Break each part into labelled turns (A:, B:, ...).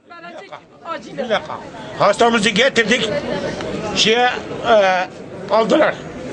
A: Bir dakika. Hastamızı getirdik. Aldılar.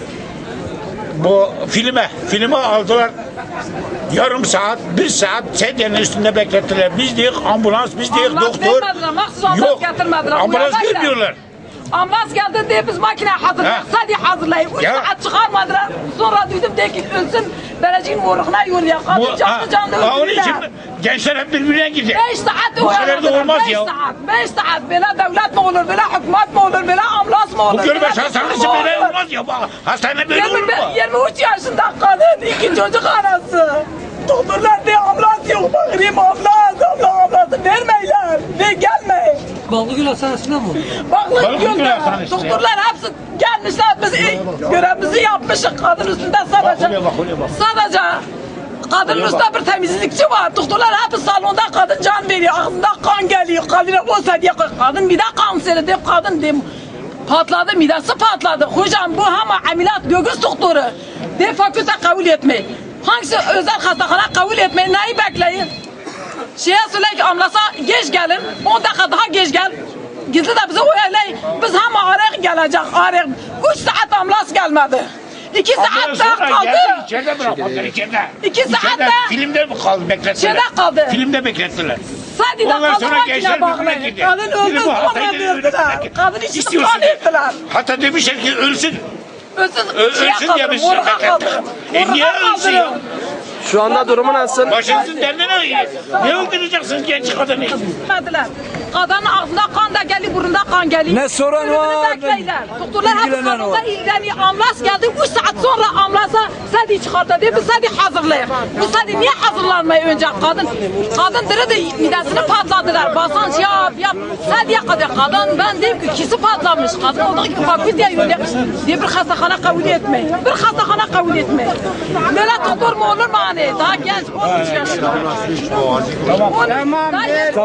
A: Bu filme aldılar. Yarım saat, bir saat sedyenin üstünde beklettiler. Biz değil ambulans, biz değil doktor. Yok, ambulans gelmiyorlar.
B: Ambulans geldi diye biz makine hazırladık. Sadece hazırlayıp 3 saat çıkarmadılar. Sonra duydum de ki ölsün. Belediyenin uğruna yolluyor. Kadın canlı
A: Onun için gençler hep birbirine gidiyor.
B: 5 saat
A: bu kadar da olmaz ya.
B: 5 saat. Böyle devlet mi olur, böyle hükümet mi olur, böyle ambulans mı olur?
A: Bu Gölbaşı Hastanesi böyle olmaz ya. Hastane böyle olur mu?
B: 23 yaşında kadın, 2 çocuk anası. Doktorlar diye ambulans yok. Bakayım ambulansı vermeyler. Ve gelmeyin.
C: Ballıgül Hastanesi'nde mi?
B: Baklıgül Hastanesi'nde. Doktorlar hepsi gelmişler. Biz görevimizi yapmışız. Kadın üstünde sadece. Sadece kadının üstünde bir temizlikçi var. Doktorlar hep salonda kadın can veriyor. Ağzında kan geliyor. Kadına olsa diye kadın mide kanseri diye kadın diye patladı, midesi patladı. Hocam bu ama ameliyat göğüs doktoru. De fakülte kabul etmeyin. Hangisi özel hastahane kabul etmeyin. Neyi bekleyin? Söyle ki ambulansa geç gelin. 10 dakika daha geç gel. Gizli de bize uyarlayın. Biz hem arayık gelecek. 3 saat ambulans gelmedi. 2 saat daha kaldı.
A: İçeride bırakmadılar içeride.
B: 2 saat daha.
A: Filmde mi kaldı beklettiler?
B: İçeride kaldı.
A: Filmde beklettiler.
B: Sadece
A: Ondan
B: kaldı
A: sonra gençler
B: makine
A: birbirine
B: bakmayın.
A: gidiyor.
B: Kadın öldü sonra verdiler. Kadın içini kan ettiler.
A: Hatta demişler ki ölsün.
B: Ölsün
A: diye biz beklettiler. Niye ölsün ya?
C: Şu anda durumu nasıl?
A: Başınızın derdine ne öldüreceksiniz genç kadını?
B: Verdiler. Kadının ağzında kan da geliyor, burnunda kan geliyor.
C: Ne soran var?
B: Doktorlar hep
C: İlgilenen
B: kanunda
C: var.
B: ilgileniyor. Ambulans geldi, 3 saat sonra ambulansa sadi çıkarttı diye biz sadi hazırlayalım. Bu sadi niye hazırlanmıyor önce kadın? Kadın diri midesini patladılar. Basınç yap. Sadiye kadar kadın ben diyeyim ki ikisi patlamış. Kadın olduğu gibi fakülteye yolluyor. Diye bir hastahane kabul etmeyin. Bir hastahane kabul etmeyin. Böyle doktor mu olur mu hani? Daha genç 13 yaşında. Tamam.